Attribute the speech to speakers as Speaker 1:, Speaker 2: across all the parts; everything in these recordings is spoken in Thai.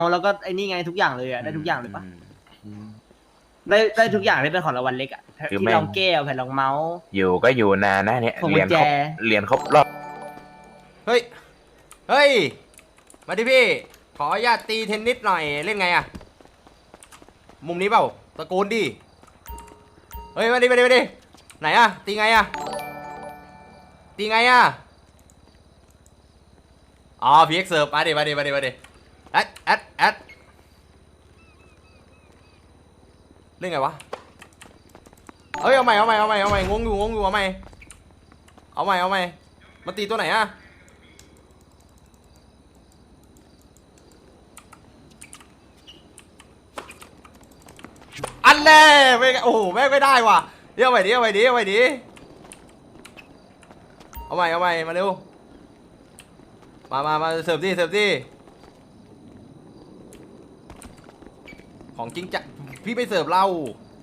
Speaker 1: แล้วก็ไอ้นี่ไงทุกอย่างเลยอะได้ทุกอย่างเลยปะได้ทุกอย่างที่เป็นของรางวัลเล็กอะที่รองแก้วแผ่นรองเมาส์
Speaker 2: อยู่ก็อยู่นานนะเนี่ยเรียนครบรอบ
Speaker 3: เฮ้ยเฮ้ยมาดิพี่ขออนุญาตตีเทนนิสหน่อยเล่นไงอะมุมนี้เปล่าตะโกนดิเฮ้ยมาดิไหนอะตีไงอะตีไงอะอ๋อพีเอ็กเสิร์ฟมาดิแอดเล่นไงวะเฮ้ยเอาใหม่งงอยู่เอาใหม่มาตีตัวไหนอะอันแน่ไม่โอ้โหแม่งไม่ได้ว่ะเดี๋ยวเอาใหม่ดิเอาใหม่มาเร็วมาเสิร์ฟดิของจริงจะพี่ไปเสิร์ฟเรา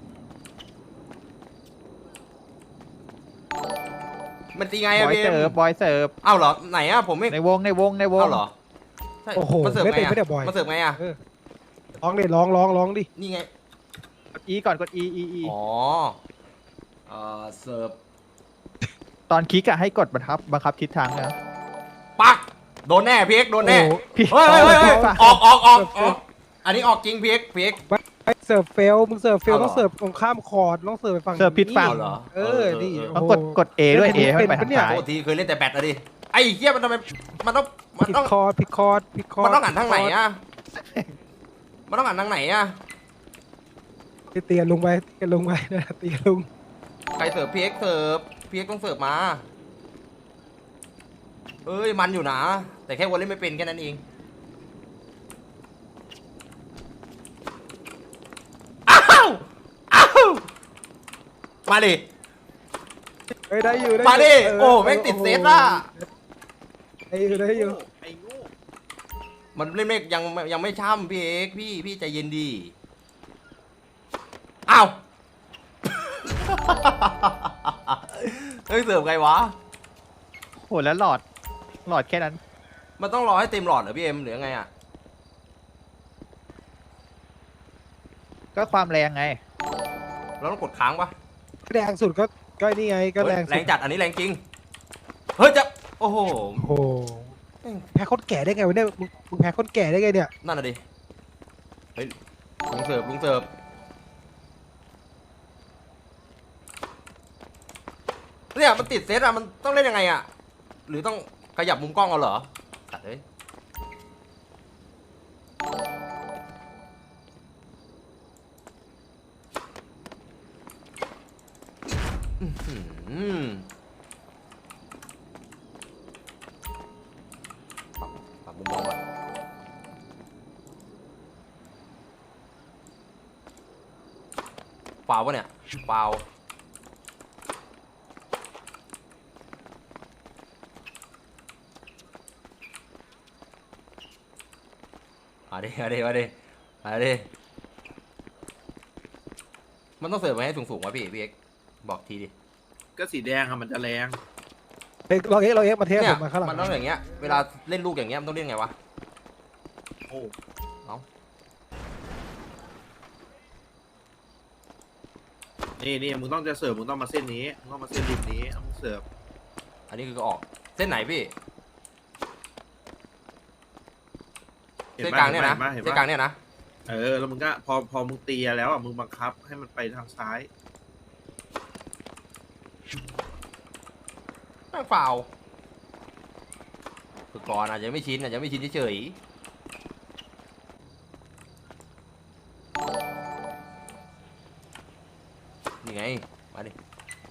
Speaker 3: มันตีไงอะพี่
Speaker 4: บอยเสิร์ฟ
Speaker 3: เอ้าเหรอไหนอะผมไม่
Speaker 4: ในวงเอ้า
Speaker 3: เหรอ
Speaker 5: โอ้โห
Speaker 3: มันเสิร์ฟ
Speaker 5: ไม่
Speaker 3: ไง
Speaker 5: เป็น
Speaker 3: อะ
Speaker 5: ไม่ได้บ่อย
Speaker 3: มันเสิร์ฟไงอะ
Speaker 5: ร้องดิร้องดิ
Speaker 3: นี่ไง
Speaker 4: กด E ก่อนกด E
Speaker 3: อ๋อเสิร์ฟ
Speaker 4: ตอนคลิกอะให้กดบังคับทิศทางนะ
Speaker 3: ปักโดนแน่พีเอ็กโดนแน่
Speaker 4: พี่
Speaker 3: เฮ้ยออกอันนี้ออกจริงพีเอ็ก
Speaker 5: เสิร์ฟเฟลมึงเสิร์ฟเฟล
Speaker 3: เอาเหรอ
Speaker 5: ต้องเสิร์ฟตรงข้ามคอร์ดต้องเสิร์ฟไปฝั่ง
Speaker 4: เสิร์ฟผิดฝั่ง
Speaker 3: เหรอ
Speaker 5: นี่
Speaker 4: ต้องกด A ด้วย A ให้ไปทางซ้าย
Speaker 3: โทษทีเคยเล่นแต่แบตอะดิไอ้เหี้ยมันทำไมมันต้อง
Speaker 5: ผิดคอร์ด
Speaker 3: มันต้องหันทางไหนอะมันต้องหันทางไหนอะ
Speaker 5: เตียนลงไปนะเตียนลง
Speaker 3: ใครเสิร์ฟพีเอ็กต้องเสิร์ฟมาเอ้ยมันอยู่นะแต่แค่วันเล่นไม่เป็นแค่นั้นเองอ้าวมาดิ
Speaker 5: ได้อยู่
Speaker 3: มาดิโอ้แม่งติดเซตอะ
Speaker 5: ได้อยู่
Speaker 3: มันเล่นไม่ยังไม่ช่ำพี่เอกพี่ใจเย็นดีอ้าว เฮ้ยเสิร์ฟไงวะ
Speaker 4: โหแล้วหลอดแค่นั้น
Speaker 3: มันต้องรอให้เต็มหลอดเหรอพี่เอ็มหรือไงอ่ะ
Speaker 4: ก็ความแรงไง
Speaker 3: เราต้องกดค้างปะ
Speaker 5: แรงสุดก็นี่ไงก็แรงสุด
Speaker 3: แรงจัดอันนี้แรงจริงเฮ้ยจะโอ้โห
Speaker 5: โอ้โหแพ้คนแก่ได้ไงวะเนี่ยมึงแพ้คนแก่ได้ไงเนี่ย
Speaker 3: นั่นน่ะดิเฮ้ยลุงเสิร์ฟเนี่ยมันติดเซตอะมันต้องเล่นยังไงอะหรือต้องขยับมุมกล้องเอาเหรอตัดเลยปรับมุมมองก่อนฟาวปะเนี่ยฟาวมาดิมันต้องเสิร์ฟไว้ให้สูงๆวะพี่เอ็กบอกทีดิ
Speaker 6: ก็สีแดงอะมันจะแรง
Speaker 5: เราเอ็กมาเทส
Speaker 3: เนี่
Speaker 5: ผ
Speaker 3: ย
Speaker 5: มมาข้างหลัง
Speaker 3: มันต้องอย่างเงี้ยเวลาเล่นลูกอย่างเงี้ยมันต้องเล่นไงวะ
Speaker 6: โอ้
Speaker 3: เอ้า
Speaker 6: นี่มึงต้องจะเสิร์ฟมึงต้องมาเส้นนี้มึงต้องมาเส้นริมนี้มึงเสิร์ฟ
Speaker 3: อันนี้คือออกเส้นไหนพี่เส้นกลางเนี่ยนะเส้นกลางเนี่ยนะ
Speaker 6: แล้วมึงก็พอมึงตีแล้วอ่ะมึงบังคับให้มันไปทางซ้าย
Speaker 3: แม่งฟาวฝึกก่อนอาจจะไม่ชินเฉยนี่ไงมาดิ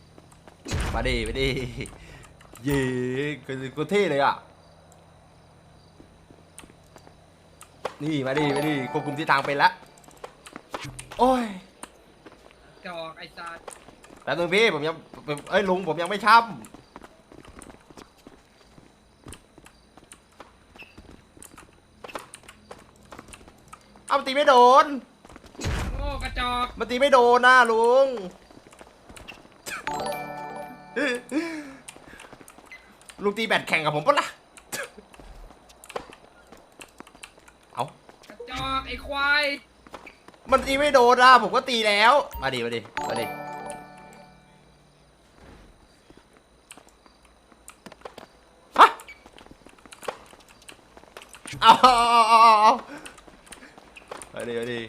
Speaker 3: เย้กูเท่เลยอ่ะนี่มาดิควบคุมทิศทางไปแล้วโอ้ย
Speaker 1: จอกไอ้สัส
Speaker 3: แป๊บนึงพี่ผมยังลุงผมยังไม่ช้ำเอามันตีไม่โดน
Speaker 1: โง่กระจอก
Speaker 3: มันตีไม่โดนนะลุงลุงตีแบตแข่งกับผมปะล่ะเอา
Speaker 1: กระจอก
Speaker 7: อกไอ้ควาย
Speaker 3: มันตีไม่โดนอ่ะผมก็ตีแล้วมาดิฮะเอามาดิ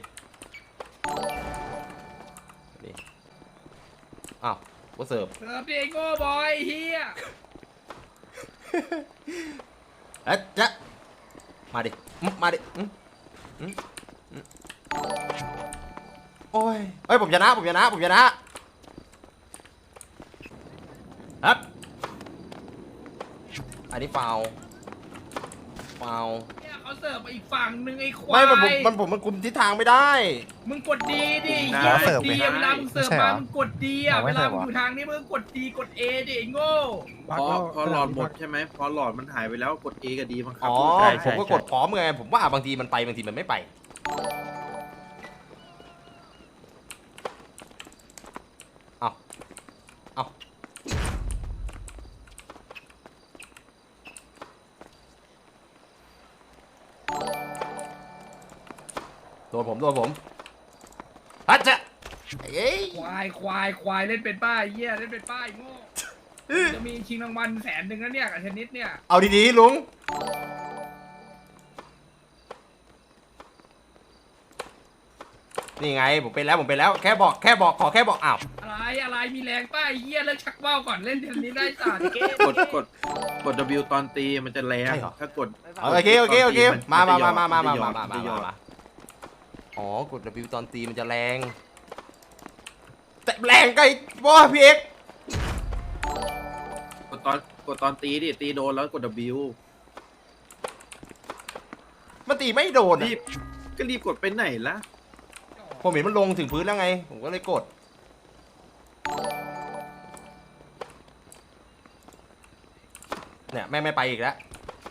Speaker 3: อ้าวว่าเสิร์ฟ
Speaker 7: เสิร์ฟดิไอ้โง่บอยเฮีย
Speaker 3: จะมาดิโอ้ยเฮ้ยผมชนะครับอันนี้ฟาว
Speaker 7: เนี่ยเขาเสิร์ฟมาอีกฝั่งหนึ่งไอ้ควา
Speaker 3: ไม่
Speaker 7: ย
Speaker 3: มันคุมทิศทางไม่ได้
Speaker 7: มึงกดดีดิ
Speaker 6: ได้
Speaker 7: เหี้ย
Speaker 5: เสิร์ฟ
Speaker 7: ดี
Speaker 5: ไหม
Speaker 7: อะเวลามึงเสิร์ฟมามึงกดดีอะ
Speaker 5: เอาไว้
Speaker 7: เวลา
Speaker 5: เสิร์ฟ
Speaker 7: มึง
Speaker 5: เหรอ
Speaker 7: อยู่ทางนี้มึงกดดีกดเอดิไอ้โง่
Speaker 6: พอหลอดหมดใช่ไหมพอหลอดมันหายไปแล้วกด A กับ D บังคับ
Speaker 3: อ๋อ
Speaker 1: ใช่
Speaker 3: ผมก็กดพร้อมไงผมว่าบางทีมันไปบางทีมันไม่ไปเอาโดนผมฮัจจะเอ้ย
Speaker 7: ควายเล่นเป็นป้าไอ้เหี้ยเล่นเป็นป้าไอ้โง่จะมีชิงรางวัล100,000นะเนี่ยกับเทนนิสเนี่ย
Speaker 3: เอาดีๆลุงนี่ไงผมเป็นแล้วแค่บอกขอแค่บอกอ้าว
Speaker 7: อะไรมีแรงป้าไอ้เหี้ยเลิกชักเบ้าก่อนเล่นเทนนิสได้สัตว์เก้
Speaker 6: กด W ตอนตีมันจะแรงถ้ากด
Speaker 3: โอเคมาอ๋อกด W ตอนตีมันจะแรงแต่แรงไกลบ่พี่เอก
Speaker 6: กดตอนตีดิตีโดนแล้วกด W
Speaker 3: มันตีไม่โดน
Speaker 6: รีบก็รีบกดไปไหนละ
Speaker 3: ผมเห็นมันลงถึงพื้นแล้วไงผมก็เลยกดเนี่ยแม่ไม่ไปอีกแล้ว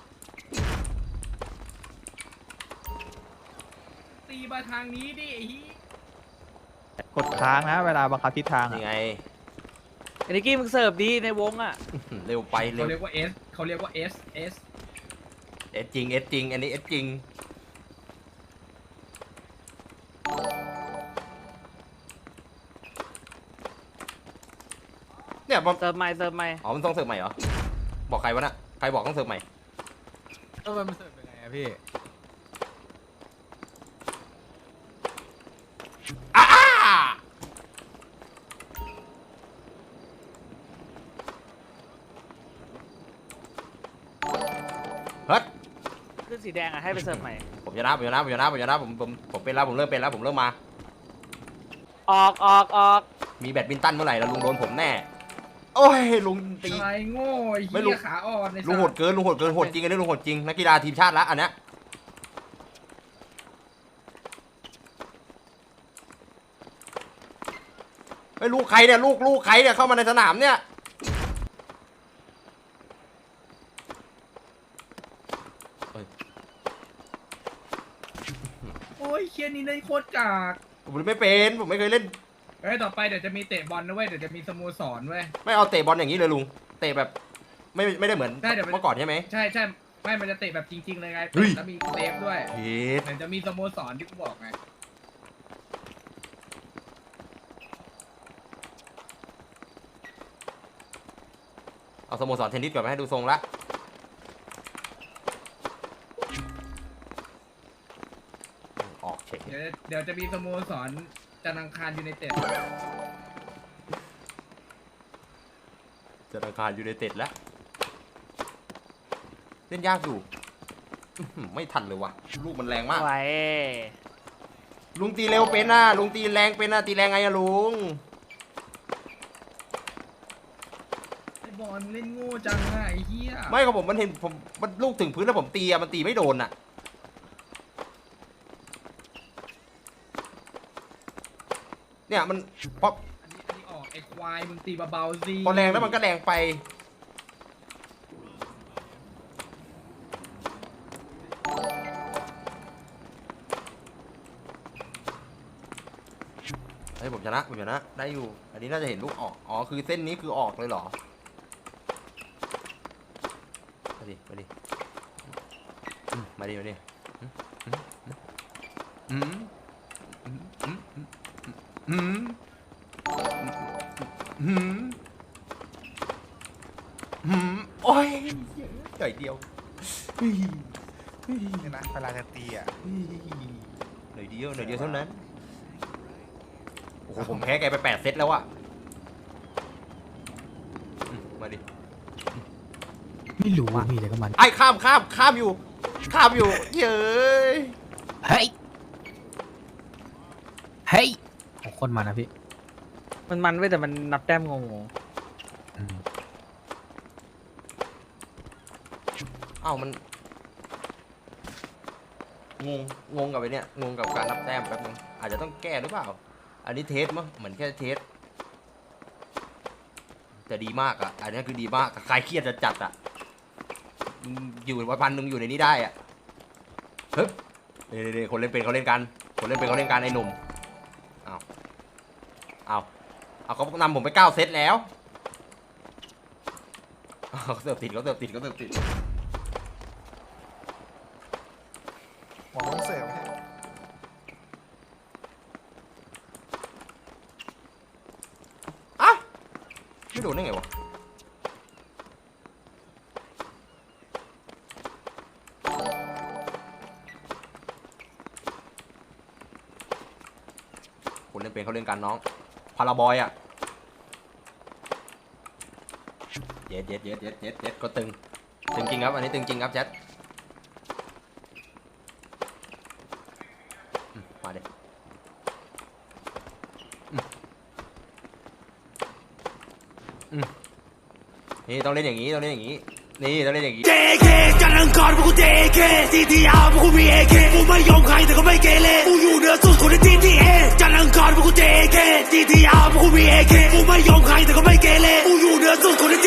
Speaker 7: ตีมาทางนี้ดิไอ้เหี้ย
Speaker 4: กดค้างนะเวลาบังคับทิศทาง
Speaker 3: นี่
Speaker 4: อะ
Speaker 3: ไง
Speaker 1: ไอ้นิกกี้มึงเสิร์ฟดีในวงอ่ะ
Speaker 3: เร็วไปเร็
Speaker 7: เขา
Speaker 3: ว
Speaker 7: เรียกว่า S เขาเรียกว่า S
Speaker 3: เอสจริงอันนี้เอสจริงเนี่ยมัน
Speaker 1: เสิร์ฟใหม่
Speaker 3: อ๋อมันต้องเสิร์ฟใหม่เหรอบอกใครวะน่ะใครบอกต้องเสิร์ฟใหม่
Speaker 4: มันเสิร์ฟยังไงอะพี่
Speaker 3: อ้าเฮ้ย
Speaker 1: ขึ้นสีแดงอ่ะให้ไปเสิร์ฟใหม่
Speaker 3: ผมชนะผมเป็นแล้วผมเริ่มเป็นแล้วผมเริ่มมา
Speaker 1: ออก
Speaker 3: มีแบดมินตันเมื่อไหร่แล้วลุงโดนผมแน่โอ้ยลุงตี
Speaker 7: อะไรโง่ไอ้
Speaker 3: ไม่รู้
Speaker 7: เหี้ยขาอ่อนใน
Speaker 3: ลุงโหดเกินโหดจริงอันนี้ลุงโหดจริงนักกีฬาทีมชาติละอันเนี้ยไม่ลูกใครเนี่ยลูกใครเนี่ยเข้ามาในสนามเนี่ยเฮ้ย
Speaker 7: โอ้ยเคียนี่เล่นโคตรกาก
Speaker 3: ผมไม่เป็นผมไม่เคยเล่น
Speaker 7: เฮ้ยต่อไปเดี๋ยวจะมีเตะบอลนะเว้ยเดี๋ยวจะมีสโมสรเว้ย
Speaker 3: ไม่เอาเตะบอลอย่างนี้เลยลุงเตะแบบไม่ได้เหมือน
Speaker 7: ได้เดี๋ยว
Speaker 3: เมื่อก่อนใช่ไหม
Speaker 7: ใช่ไม่มันจะเตะแบบจริงๆเลยไง
Speaker 3: เฮ้ย
Speaker 7: แล้วมีเซฟด้วย
Speaker 3: เฮ็ด
Speaker 7: เดี๋ยวจะมีสโมสรที่กูบอกไง
Speaker 3: เอาสโมสรเทนนิสก่อนมาให้ดูทรงละออกเฉย
Speaker 7: เดี๋ยวจะมีสโมสรจันทร์อังคารยูไนเต็ด
Speaker 3: จะราคายูไนเต็ดแล้วเล่นยากอยู่อื้อหือไม่ทันเลยว่ะลูกมันแรงมาก
Speaker 1: ไว้
Speaker 3: ลุงตีเร็วเป็นนะลุงตีแรงเป็นนะตีแรงไงอะลุง
Speaker 7: ไอ้บอลเล่นโง่จังอะไอ้เหี้ย
Speaker 3: ไม่ครับผมมันเห็นผมมันลูกถึงพื้นแล้วผมตีอะมันตีไม่โดนอะเนี่ยมันพอ
Speaker 7: อันนี้ออกไอ้ควายมึงตีเบาๆสิ
Speaker 3: พอแรงแล้วมันก็แรงไปเฮ้ยผมชนะได้อยู่อันนี้น่าจะเห็นลูกออกอ๋อคือเส้นนี้คือออกเลยเหรอมาดิอืมอืมอืมอืมอืมโอ้ยหน่อยเดียว
Speaker 8: เนี่ยนะเวลาจะตีอ่ะ
Speaker 3: หน่อยเดียวเท่านั้น โอ้โหผมแพ้แกไป8 เซตแล้วอะมาดิ
Speaker 5: ไม่รู้ว่ามีอะไรกับมัน
Speaker 3: ไอ้ข้ามอยู่เย้ย
Speaker 5: เฮ้ยโอ้คนมันนะพี่
Speaker 1: มันไว้แต่มันนับแต้มงง
Speaker 3: เอ้ามันงงกับไอ้เนี่ยงงกับการนับแต้มแป๊บนึงอาจจะต้องแก้หรือเปล่า อันนี้เทสมั้งเหมือนแค่เทสแต่ดีมากอ่ะอันนี้คือดีมากใครเครียดจะจัดอ่ะอยู่1,100อยู่ในนี้ได้อ่ะเฮ้ยเดี๋ยวคนเล่นเป็นเขาเล่นกันไอ้หนุ่มเอาเขานำผมไป9 เซตแล้วเขาเสิร์ฟติด
Speaker 8: หมอต้องเสิร์ฟให้
Speaker 3: อ่ะไม่โดนได้ไงวะคนเล่นเป็นเขาเล่นกันน้องพาราบอยอ่ะเย็ดก็ตึงจริงครับอันนี้ตึงจริงครับแชทมาดินี่ต้องเล่นอย่างนี้นี่ต้องเล่นอย่างนี้
Speaker 9: JK จันทร์อังคารพวกกู JK CTR พวกกูมี AK กูไม่ยอมใครแต่ก็ไม่เกเรกูอยู่เหนือสุดคนใน GTA จันทร์อังคารพวกกู JK CTR พวกกูมี AK กูไม่ยอมใครแต่ก็ไม่เกเรกูอยู่เหนือสุดคนใน